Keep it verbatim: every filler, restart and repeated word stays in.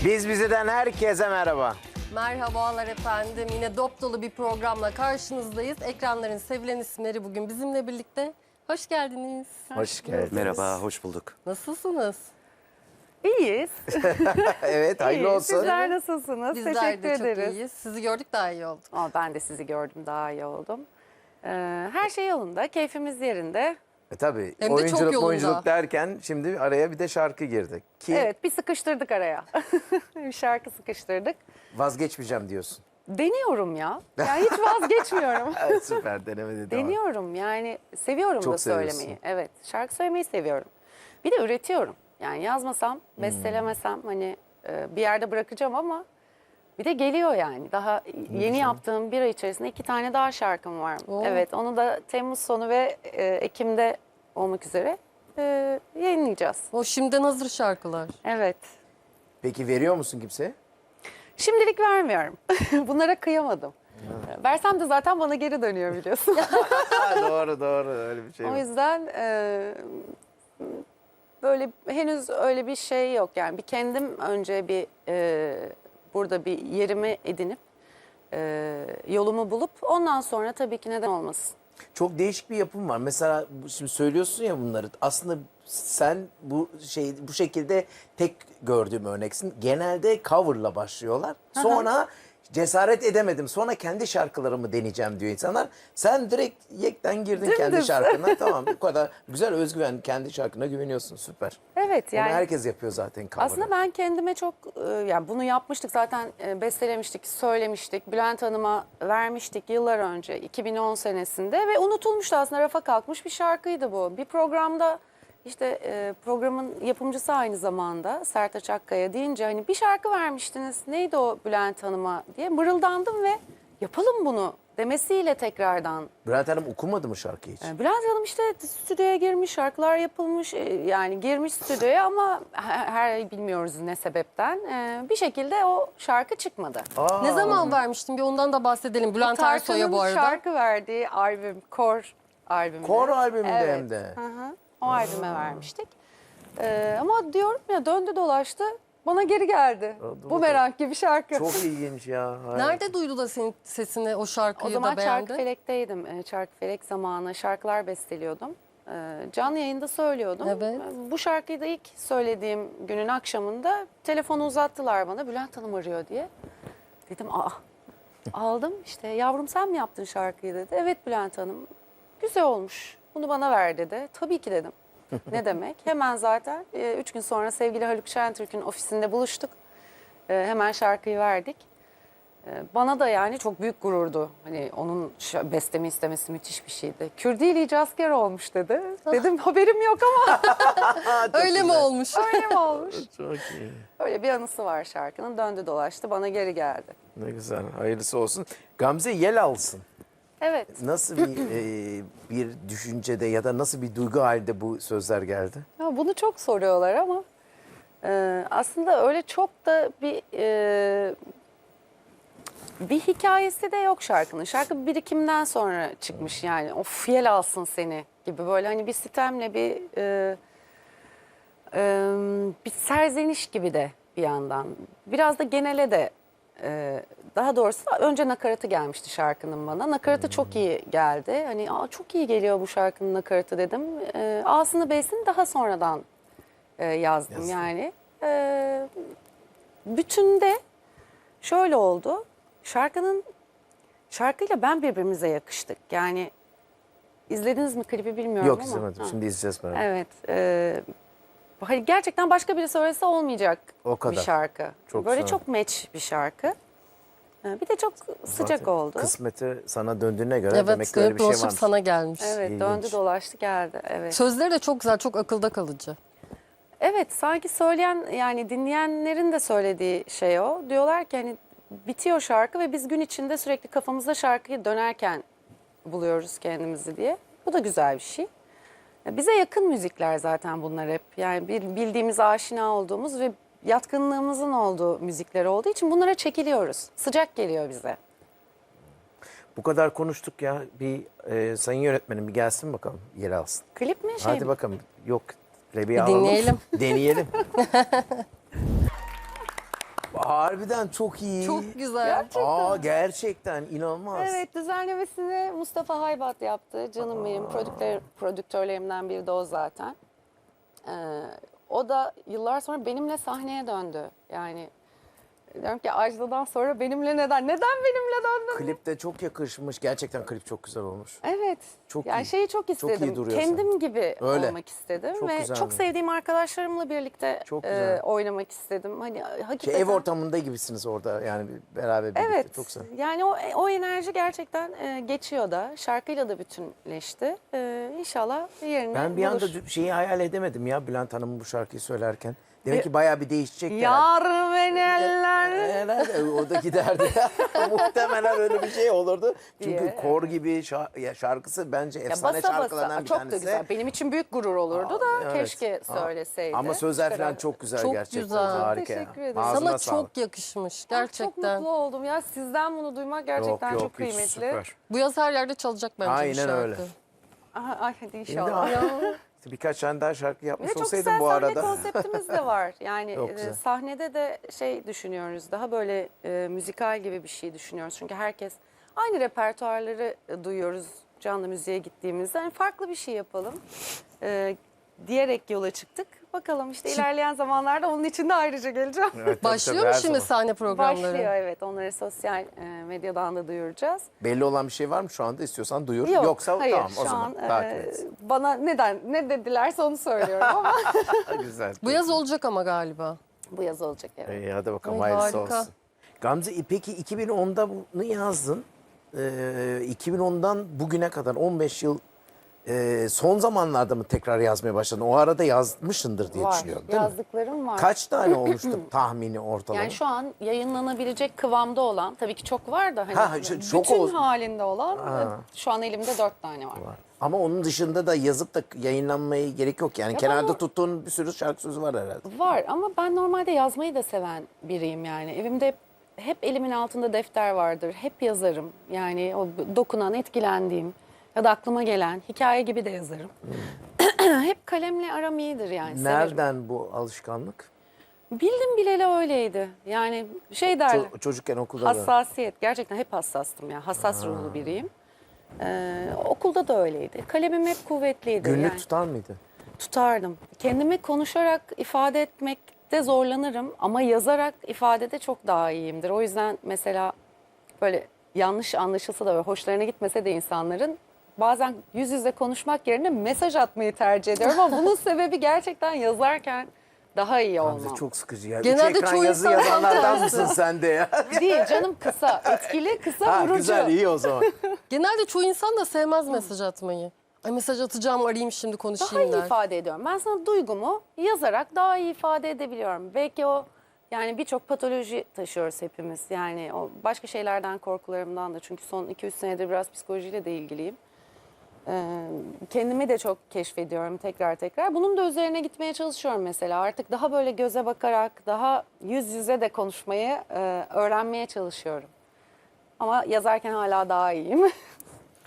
Biz Bize'den herkese merhaba. Merhabalar efendim. Yine dop dolu bir programla karşınızdayız. Ekranların sevilen isimleri bugün bizimle birlikte. Hoş geldiniz. Hoş geldiniz. Merhaba, hoş bulduk. Nasılsınız? İyiyiz. Evet, hayırlı İyiyiz. olsun. Sizler nasılsınız? Bizler Teşekkür de çok ederiz. iyiyiz. Sizi gördük daha iyi olduk. Aa, ben de sizi gördüm, daha iyi oldum. Ee, her şey yolunda, keyfimiz yerinde. E, tabii Hem de çok oyunculuk yolunda. oyunculuk derken şimdi araya bir de şarkı girdi. Ki Evet, bir sıkıştırdık araya. Bir şarkı sıkıştırdık. vazgeçmeyeceğim diyorsun. Deniyorum ya. Yani hiç vazgeçmiyorum. Evet, süper denemedi. Deniyorum yani, seviyorum Çok da söylemeyi. seviyorsun. Evet, şarkı söylemeyi seviyorum. Bir de üretiyorum. Yani yazmasam, Hmm. bestelemesem hani e, bir yerde bırakacağım ama bir de geliyor yani. Daha yeni yaptığım bir ay içerisinde iki tane daha şarkım var. Oo. Evet, onu da Temmuz sonu ve e, Ekim'de olmak üzere e, yayınlayacağız. O şimdiden hazır şarkılar. Evet. Peki veriyor musun kimseye? Şimdilik vermiyorum. Bunlara kıyamadım. Versem de zaten bana geri dönüyor biliyorsun. Ha, doğru doğru öyle bir şey O var. yüzden e, böyle henüz öyle bir şey yok. Yani bir kendim önce bir e, burada bir yerimi edinip e, yolumu bulup ondan sonra tabii ki neden olmasın. Çok değişik bir yapım var. Mesela bu- şimdi söylüyorsun ya bunları. Aslında sen bu şey bu şekilde tek gördüğüm örneksin. Genelde coverla başlıyorlar. Sonra cesaret edemedim. Sonra kendi şarkılarımı deneyeceğim diyor insanlar. Sen direkt yekten girdin kendi Dümdüz. şarkına. Tamam, bu kadar güzel özgüven, kendi şarkına güveniyorsun. Süper. Evet Yani, yani herkes yapıyor zaten cover'ı. aslında ben kendime çok e, yani bunu yapmıştık zaten, e, bestelemiştik, söylemiştik. Bülent Hanım'a vermiştik yıllar önce iki bin on senesinde ve unutulmuştu, aslında rafa kalkmış bir şarkıydı bu. Bir programda işte e, programın yapımcısı aynı zamanda Sertaç Akkaya deyince hani bir şarkı vermiştiniz, neydi o Bülent Hanım'a diye mırıldandım ve yapalım bunu demesiyle tekrardan. Bülent Hanım okumadı mı şarkıyı hiç? E, Bülent Hanım işte stüdyoya girmiş, şarkılar yapılmış, e, yani girmiş stüdyoya ama her, her ay bilmiyoruz ne sebepten e, bir şekilde o şarkı çıkmadı. Aa, Ne zaman vermiştim? Bir ondan da bahsedelim. Bülent Ersoy'a bu Tarkan'ın arada. şarkı verdiği albüm, Kor albümü. Kor albümünde Evet. hem de. Hı hı. O albüme vermiştik. E, ama diyorum ya, döndü dolaştı bana geri geldi. Oldu Bu merak gibi şarkı. Çok ilginç ya. Hayır. Nerede duydu da senin sesini, o şarkıyı O zaman da beğendi? Çarkıfelek'teydim. E, Çarkıfelek zamanı şarkılar besteliyordum. E, canlı yayında söylüyordum. Evet. E, Bu şarkıyı da ilk söylediğim günün akşamında telefonu uzattılar bana. Bülent Hanım arıyor diye. Dedim aa. Aldım işte, yavrum sen mi yaptın şarkıyı dedi. Evet Bülent Hanım. Güzel olmuş. Bunu bana ver dedi. Tabii ki dedim. Ne demek? Hemen zaten e, üç gün sonra sevgili Haluk Şentürk'ün ofisinde buluştuk. E, hemen şarkıyı verdik. E, bana da yani çok büyük gururdu. Hani onun ş- bestemi istemesi müthiş bir şeydi. Kürdili asker olmuş dedi. Dedim haberim yok ama Öyle mi olmuş? öyle mi olmuş? Çok iyi. Öyle bir anısı var şarkının. Döndü dolaştı bana geri geldi. Ne güzel. Hayırlısı olsun. Gamze yel alsın. Evet. Nasıl bir e, bir düşüncede ya da nasıl bir duygu halinde bu sözler geldi? Ya bunu çok soruyorlar ama e, aslında öyle çok da bir e, bir hikayesi de yok şarkının. Şarkı birikimden sonra çıkmış yani. Of yel alsın seni gibi böyle hani bir sitemle bir e, e, bir serzeniş gibi de bir yandan. Biraz da genele de e, daha doğrusu önce nakaratı gelmişti şarkının bana. Nakaratı çok iyi geldi. Hani Aa, çok iyi geliyor bu şarkının nakaratı dedim. E, A'sını B'sini daha sonradan e, yazdım Yazdın. yani. E, bütünde şöyle oldu. Şarkının şarkıyla ben birbirimize yakıştık. Yani izlediniz mi klibi bilmiyorum Yok ama. izlemedim. Ha. Şimdi izleyeceğiz merak. Evet. E, hani gerçekten başka biri söylese olmayacak O kadar. bir şarkı. Çok Böyle sağ ol. çok match bir şarkı. E, bir de çok sıcak Zaten oldu. Kısmeti sana döndüğüne göre Evet, demek ki öyle bir şey dolaşıp varmış. sana gelmiş. Evet, İlginç. döndü dolaştı geldi. Evet. Sözleri de çok güzel, çok akılda kalıcı. Evet, sanki söyleyen yani dinleyenlerin de söylediği şey o. Diyorlar ki hani bitiyor şarkı ve biz gün içinde sürekli kafamızda şarkıyı dönerken buluyoruz kendimizi diye. Bu da güzel bir şey. Bize yakın müzikler zaten bunlar hep. Yani bil- bildiğimiz, aşina olduğumuz ve yatkınlığımızın olduğu müzikler olduğu için bunlara çekiliyoruz. Sıcak geliyor bize. Bu kadar konuştuk ya. Bir e, sayın yönetmenim bir gelsin bakalım yer alsın. Klip mi şey Hadi mi? bakalım. Yok. Rebiye Bir alalım. dinleyelim. Deneyelim. Harbiden çok iyi. Çok güzel. Gerçekten. Aa gerçekten inanılmaz. Evet, düzenlemesini Mustafa Haybat yaptı. Canım benim prodüktör, prodüktörlerimden biri de o zaten. Ee, o da yıllar sonra benimle sahneye döndü. Yani diyorum ki Ajda'dan sonra benimle neden? Neden benimle döndün? Klip de çok yakışmış. Gerçekten klip çok güzel olmuş. Evet. Çok yani iyi. şeyi çok Çok iyi istedim. duruyorsun. Kendim gibi Öyle. olmak istedim Çok ve güzel çok bu. sevdiğim arkadaşlarımla birlikte Çok e, güzel. oynamak istedim. Hani Şey, hakikaten ev ortamında gibisiniz orada yani beraber birlikte. Evet. Çok güzel. Yani o o enerji gerçekten e, geçiyor da. Şarkıyla da bütünleşti. E, İnşallah yerini Ben bir bulur. anda şeyi hayal edemedim ya Bülent Hanım'ın bu şarkıyı söylerken. Demek ki bayağı bir değişecek yani. Yar beni eller. Herhalde o da giderdi. Muhtemelen öyle bir şey olurdu. Çünkü Diye. kor gibi şa- ya şarkısı bence Ya efsane basa şarkılarından basa bir çok tanesi. da güzel. Benim için büyük gurur olurdu da Evet. keşke Aa, söyleseydi. Ama sözler falan Çıkarırdı. çok güzel Çok gerçekten. güzel. Harika ya. Teşekkür ederim. Ağzına Sana sağlık. çok yakışmış Çok gerçekten. mutlu oldum ya. Sizden bunu duymak gerçekten yok, çok yok, hiç kıymetli. süper. Bu yaz her yerde çalacak bence bu Aynen şarkı. öyle. Aha, ay hadi Şimdi inşallah. İşte birkaç tane daha şarkı Ve yapmış çok olsaydım güzel bu sahne arada. konseptimiz de var. Yani Çok e, güzel. sahnede de şey düşünüyoruz. Daha böyle e, müzikal gibi bir şey düşünüyoruz. Çünkü herkes aynı repertuarları e, duyuyoruz canlı müziğe gittiğimizde. Yani farklı bir şey yapalım e, diyerek yola çıktık. Bakalım işte ilerleyen zamanlarda onun için de ayrıca geleceğim. Evet, tabii, Başlıyor tabii, mu her şimdi zaman. sahne programları? Başlıyor evet. Onları sosyal e, medyadan da duyuracağız. Belli olan bir şey var mı şu anda? İstiyorsan duyur. Yok, Yoksa hayır, tamam o şu zaman an takip e, et. bana neden ne dedilerse onu söylüyorum ama Güzel. Bu yaz olacak ama galiba. bu yaz olacak evet. İyi hadi bakalım Ay, hayırlısı harika. olsun. Gamze peki iki bin onda bunu yazdın. Ee, iki bin ondan bugüne kadar on beş yıl e, son zamanlarda mı tekrar yazmaya başladın? O arada yazmışsındır diye Var. düşünüyorum değil mi? Yazdıklarım var. Kaç tane olmuştu tahmini ortalama? Yani şu an yayınlanabilecek kıvamda olan, tabii ki çok var da hani Ha, şu- çok bütün olsun. halinde olan Ha. e, şu an elimde dört tane var. Var. Ama onun dışında da yazıp da yayınlanmaya gerek yok. Yani Ya kenarda bana- tuttuğun bir sürü şarkı sözü var herhalde. Var ama ben normalde yazmayı da seven biriyim yani. Evimde hep, hep elimin altında defter vardır. Hep yazarım. Yani o dokunan, etkilendiğim ya da aklıma gelen hikaye gibi de yazarım. Hep kalemle aram iyidir yani. Severim. Nereden bu alışkanlık? Bildim bileli öyleydi. Yani şey derler. Ço- çocukken okulda da. Hassasiyet. Gerçekten hep hassastım yani. Hassas ruhlu biriyim. Ee, okulda da öyleydi. Kalemim hep kuvvetliydi. Günlük yani. tutar mıydı? Tutardım. Kendimi konuşarak ifade etmekte zorlanırım ama yazarak ifadede çok daha iyiyimdir. O yüzden mesela böyle yanlış anlaşılsa da ve hoşlarına gitmese de insanların bazen yüz yüze konuşmak yerine mesaj atmayı tercih ediyorum ama bunun sebebi gerçekten yazarken daha iyi Gamze olmam. çok sıkıcı ya. Genelde Üç ekran çoğu yazı insan yazanlardan tam mısın sen de ya? Değil canım kısa, etkili, kısa, Ha, vurucu. güzel iyi o zaman. Genelde çoğu insan da sevmez mesaj atmayı. Ay mesaj atacağım arayayım şimdi Daha konuşayım iyi der. ifade ediyorum. Ben sana duygumu yazarak daha iyi ifade edebiliyorum. Belki o yani birçok patoloji taşıyoruz hepimiz. Yani o başka şeylerden korkularımdan da çünkü son iki üç senedir biraz psikolojiyle de ilgiliyim. Ee, kendimi de çok keşfediyorum tekrar tekrar. Bunun da üzerine gitmeye çalışıyorum mesela. Artık daha böyle göze bakarak, daha yüz yüze de konuşmayı e, öğrenmeye çalışıyorum. Ama yazarken hala daha iyiyim.